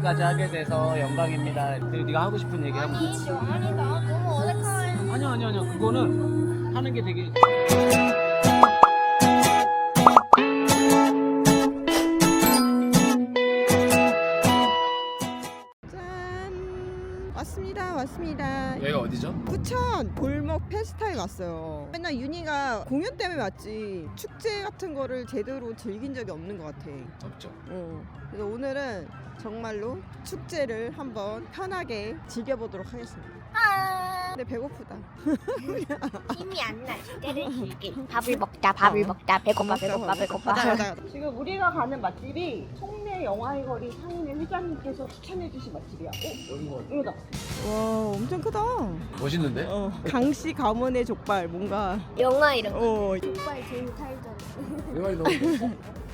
인터뷰까지 하게 돼서 영광입니다. 네가 하고 싶은 얘기 하고. 아니 나 너무 어색해. 아니야. 그거는 하는 게 되게. 왔습니다. 여기가 어디죠? 부천 골목 페스타에 왔어요. 맨날 윤희가 공연 때문에 왔지 축제 같은 거를 제대로 즐긴 적이 없는 것 같아. 없죠. 그래서 오늘은 정말로 축제를 한번 편하게 즐겨보도록 하겠습니다. 근데 배고프다. 힘이 안 나. 때를 즐길. 밥을 먹자. 배고파. 가자. 지금 우리가 가는 맛집이 송내 영화의거리 상인회 회장님께서 추천해주신 맛집이야. 여기다. 와, 엄청 크다. 멋있는데? 강씨 가문의 족발 뭔가. 영화 이런 거. 어. 족발 제일 살잖아. 내 말이 너무 멋있어.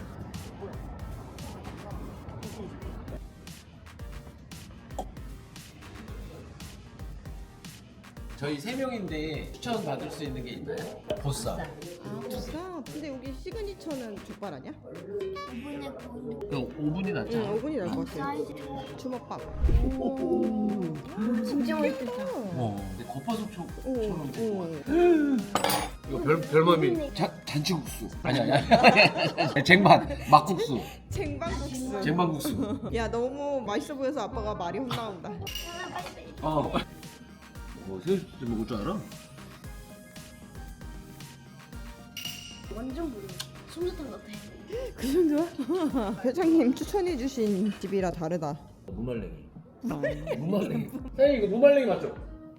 저희 3명인데 추천 받을 수 있는 게 있나요? 보쌈. 보쌈. 근데 여기 시그니처는 족발 아니야? 5분이 낫죠? 5분이 날 것 같아. 주먹밥. 진짜 맛있겠다. 근데 겉바속촉처럼 오. 이거 별맘이 잔치국수. 아니. 쟁반 막국수. 쟁반국수. 쟁반국수. 야, 너무 맛있어 보여서 아빠가 말이 혼나온다. 새우젓 먹을 줄 알아? 완전 모르. 솜사탕 같아. 그 정도야? 회장님 추천해주신 집이라 다르다. 무말랭이. 무말랭이. 사장님 이거 무말랭이 맞죠?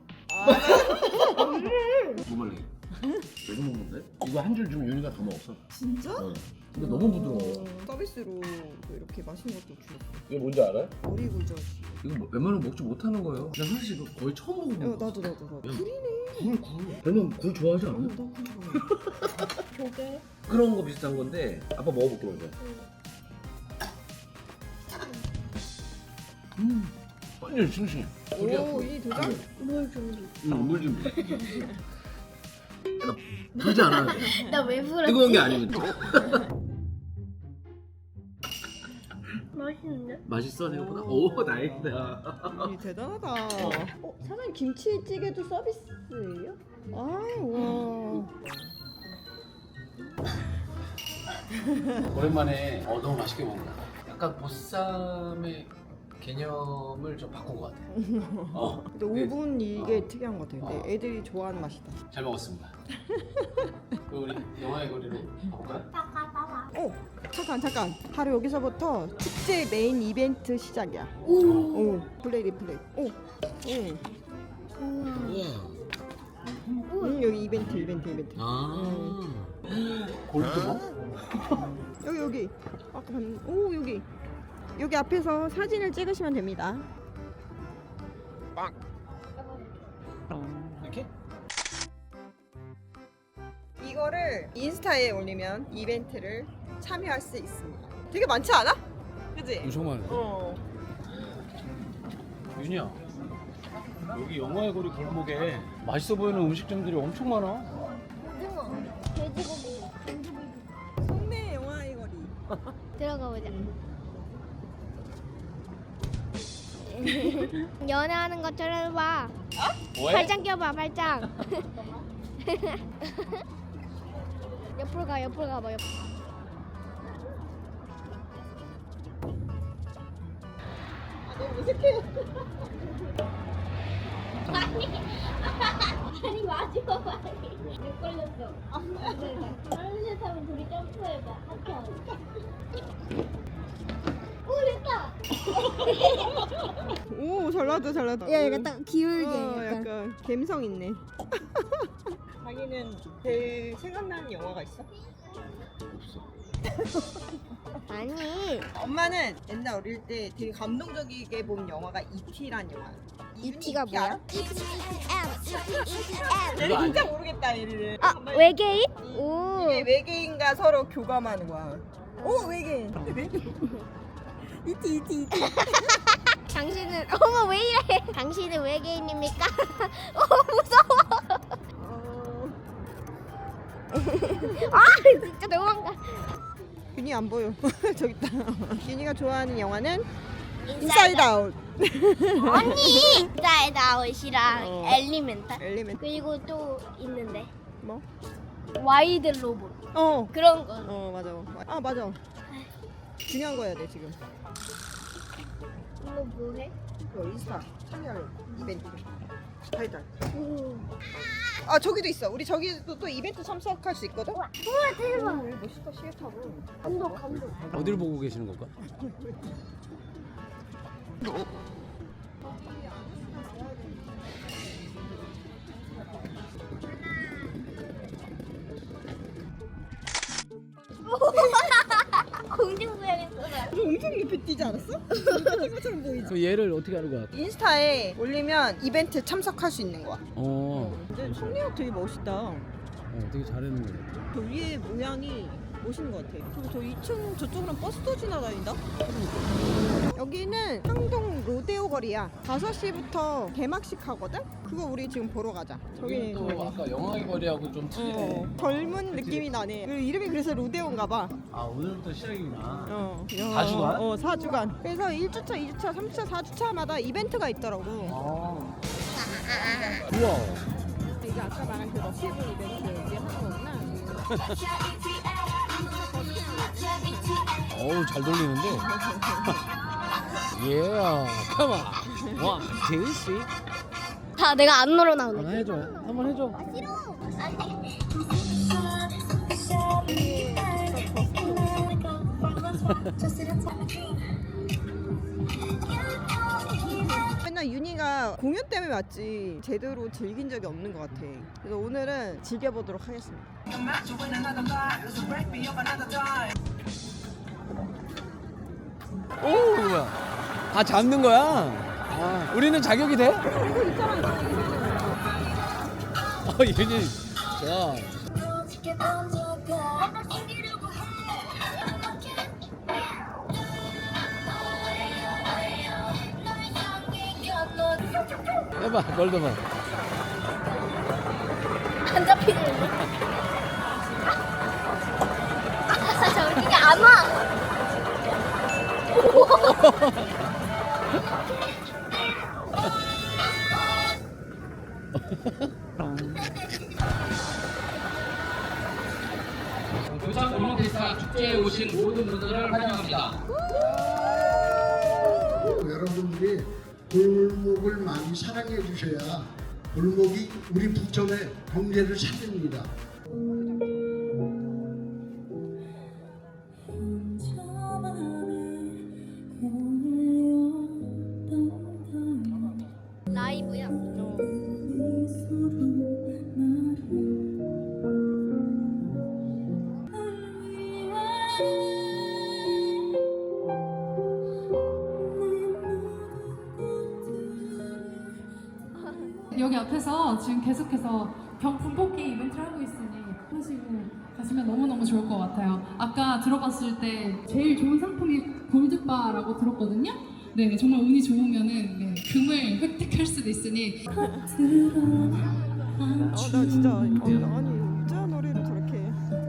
무말랭이. 너무 먹는데? 이거 한 줄 주면 윤희가 더 먹었어. 진짜? 근데 너무 부드러워. 서비스로 이렇게 맛있는 것도 주셨어. 이거 뭔지 알아요? 오리굴젓. 이거 웬만하면 먹지 못하는 거예요. 나 사실 이거 거의 처음 먹어본 거. 나도. 굴이네. 굴. 별명 굴 좋아하지 않아? 나도 조개. 그런 거 비슷한 건데 아빠 먹어볼게 먼저. 완전 싱싱해. 오, 이 도장? 뭘 준비? 물 준비. 불지 않아야 돼. 나 왜 불었지? 뜨거운 게 아니면. 맛있는데? 맛있어 생각보다? 오 다행이다. 이 대단하다. 사장님 김치찌개도 서비스예요? 와. 오랜만에 너무 맛있게 먹는다. 약간 보쌈의 개념을 좀 바꾼 것 같아. 근데 5분 이게 특이한 것 같아요. 근데 애들이 좋아하는 맛이다. 잘 먹었습니다. 그 우리 영화의 거리로 가볼까요? 잠깐. 바로 여기서부터 축제 메인 이벤트 시작이야. 오. 플레이. 우와. 여기 이벤트. 골드버? 여기. 아까 여기 앞에서 사진을 찍으시면 됩니다. 이렇게? 이거를 인스타에 올리면 이벤트를 참여할 수 있습니다. 되게 많지 않아? 그치? 엄청 많아. 윤이야, 여기 영화의 거리 골목에 맛있어 보이는 음식점들이 엄청 많아. 오징어. 돼지고기. 송내 영화의 거리. 들어가 보자. 연애하는 것처럼 해봐. 뭐해? 팔짱 껴봐, 팔짱. 옆으로 가봐, 옆으로. 너무 어색해. 아니 마지막 말이 몇 걸렸어. 다른 셋 하면 둘이 점프해봐. 하트 하고. 오 됐다. 오, 잘 나왔다. 야 약간 딱 기울게. 약간 감성 있네. 자기는 제일 생각나는 영화가 있어? 아니 엄마는 옛날 어릴 때 되게 감동적이게 본 영화가 E.T.란 영화. E.T.가 뭐야? 내가 진짜 모르겠다 얘를. 아 외계인? 오. 이게 외계인과 서로 교감하는 거야. 오, 외계인. E.T. 당신은 어머 왜 이래? 당신은 외계인입니까? 무서워. 아 진짜 도망가. 윤이 안 보여. 저기 있다. 윤이가 좋아하는 영화는 인사이드 아웃. 언니! 인사이드 아웃이랑 어. 엘리멘탈. 엘리멘트. 그리고 또 있는데 뭐? 와이드 로봇. 어. 그런 거. 맞아. 아 맞아. 중요한 거 해야 돼 지금. 이거 뭐해? 이거 인스타 참여할 이벤트. 달달. 우와 아 저기도 있어. 우리 저기도 또 이벤트 참석할 수 있거든. 대박. 오, 멋있다 시애타고. 감동. 어디를 보고 계시는 건가? 공중부양했어. 이거 엄청 높이 뛰지 않았어? 뛰는 것처럼 보이지. 그 얘를 어떻게 하는 거야? 인스타에 올리면 이벤트 참석할 수 있는 거야. 근데 잠시만요. 성리가 되게 멋있다. 되게 잘하는 거 같아. 저 위에 모양이 멋있는 것 같아. 그리고 저 2층 저쪽으로는 버스도 지나다닌다. 여기는 상동 로데오 거리야. 5시부터 개막식 하거든? 그거 우리 지금 보러 가자. 저기 또 아까 영화의 거리하고 좀 틀리네. 젊은 느낌이 나네. 그리고 이름이 그래서 로데오인가 봐. 아 오늘부터 시작이구나. 4주간? 4주간. 그래서 1주차, 2주차, 3주차, 4주차마다 이벤트가 있더라고. 우와. 이게 아까 말한 그 러시브 이벤트 여기 하는 거구나. 어우 잘 돌리는데. 예, 컴온. 원, 투, 쓰리. 다 내가 안 놀러 나오네. 하나 해줘. 한번 해줘. 싫어. 맨날 윤희가 공연 때문에 왔지 제대로 즐긴 적이 없는 것 같아. 그래서 오늘은 즐겨보도록 하겠습니다. 오, 뭐야? 아 잡는 거야? 아, 우리는 자격이 돼? 이거 있잖아. 윤희. 좋아. 해봐, 걸더만. 안 잡히는데. 저기가 안 와. 부산 올림픽사 축제에 오신 모든 분들을 환영합니다. 여러분들이 골목을 많이 사랑해 주셔야 골목이 우리 부천의 경제를 살립니다. 라이브야. 여기 앞에서 지금 계속해서 경품뽑기 이벤트를 하고 있으니 하시고 가시면 너무너무 좋을 것 같아요. 아까 들어봤을 때 제일 좋은 상품이 골드바라고 들었거든요. 네, 정말 운이 좋으면은 금을 획득할 수도 있으니. 나 진짜 아니 유재한 노래를 저렇게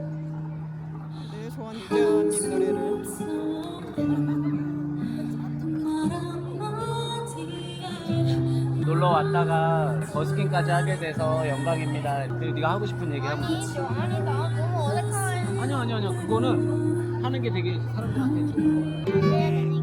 내 좋아하는 유재한님 노래를 놀러 왔다가 버스킹까지 하게 돼서 영광입니다. 네가 하고 싶은 얘기 하면. 아니 나 너무 어색해. 아니야. 그거는 하는 게 되게 사람들한테 좋은 거.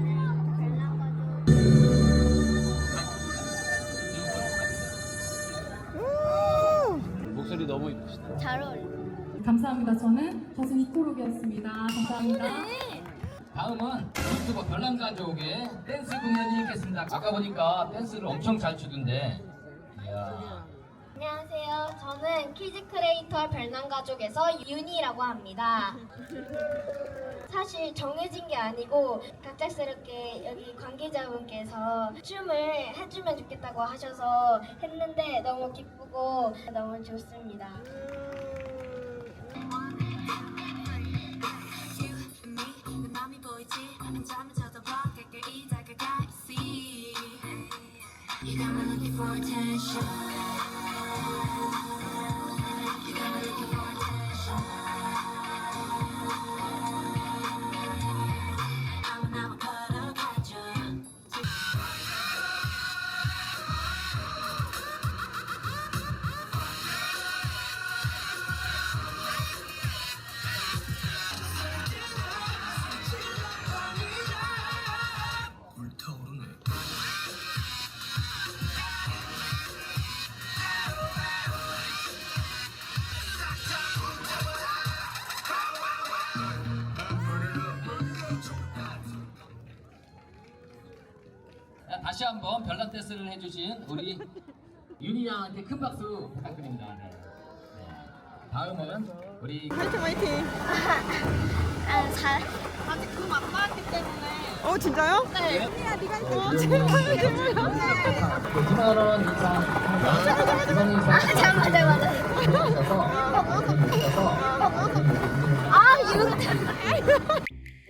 목소리 너무 이쁘시다. 잘 어울려. 감사합니다. 저는 가수 이토록이었습니다. 감사합니다. 다음은 유튜버 별난가족의 댄스 공연이 있겠습니다. 아까 보니까 댄스를 엄청 잘 추던데. 이야. 안녕하세요. 저는 키즈 크리에이터 별난가족에서 윤희라고 합니다. 사실 정해진 게 아니고 갑작스럽게 여기 관계자분께서 춤을 해주면 좋겠다고 하셔서 했는데 너무 기쁘고 너무 좋습니다. 자, 다시 한번 별난 댄스를 해주신 우리 윤희 양한테 큰 박수 부탁드립니다. 네. 네. 다음은 우리 화이팅 화이팅. 아, 잘. 아직 금 안 나왔기 때문에. 진짜요? 네. 언니야 네가 있어. 제발 제발. 2만 원 이상. 2만 원 아, 잠깐만. 아, 이거.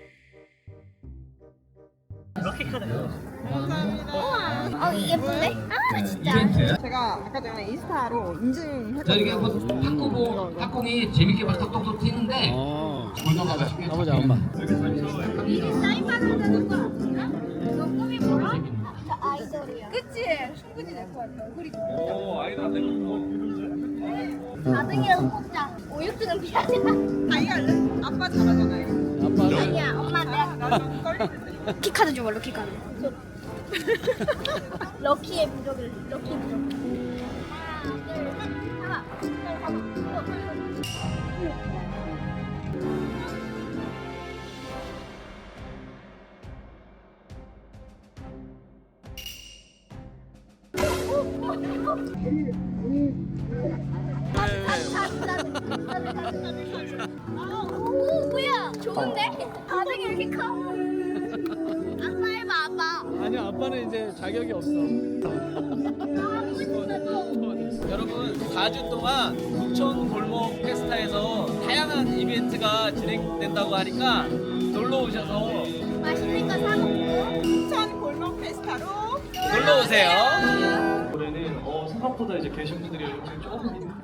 어, 예쁜데? 아, 진짜. 이벤트. 제가 아까 전에 인스타로 인증했거든요. 자 이렇게 한번 탁구공이 재밌게 막 톡톡톡 튀는데 골동가 맛있게 가보자 엄마. 이게 사인 받는다는 거 아니야? 너 꿈이 뭐야? 저 아이돌이야. 그치? 충분히 될 것 같아. 그리고. 오, 아이돌 안 되는 거. 4등이라도 뽑자. 5, 6등은 비하자. 자기가 알려. 아빠 잘하잖아요. 아니야, 엄마 내가. 나좀 떨리는데. 키카드 줘봐, 럭키카드. 럭키의 부적을, 럭키 부적. 하나, 둘, 셋. 잡아. 오, 뭐야? 좋은데? 바닥이 이렇게 커? 아빠 해봐, 아빠. 아니야 아빠는 이제 자격이 없어. 하고 싶어. 여러분 4주 동안 부천 골목 페스타에서 다양한 이벤트가 진행된다고 하니까 놀러 오셔서 맛있는 거 사 먹고. 부천 골목 페스타로 놀러 오세요. 올해는 생각보다 이제 계신 분들이 조금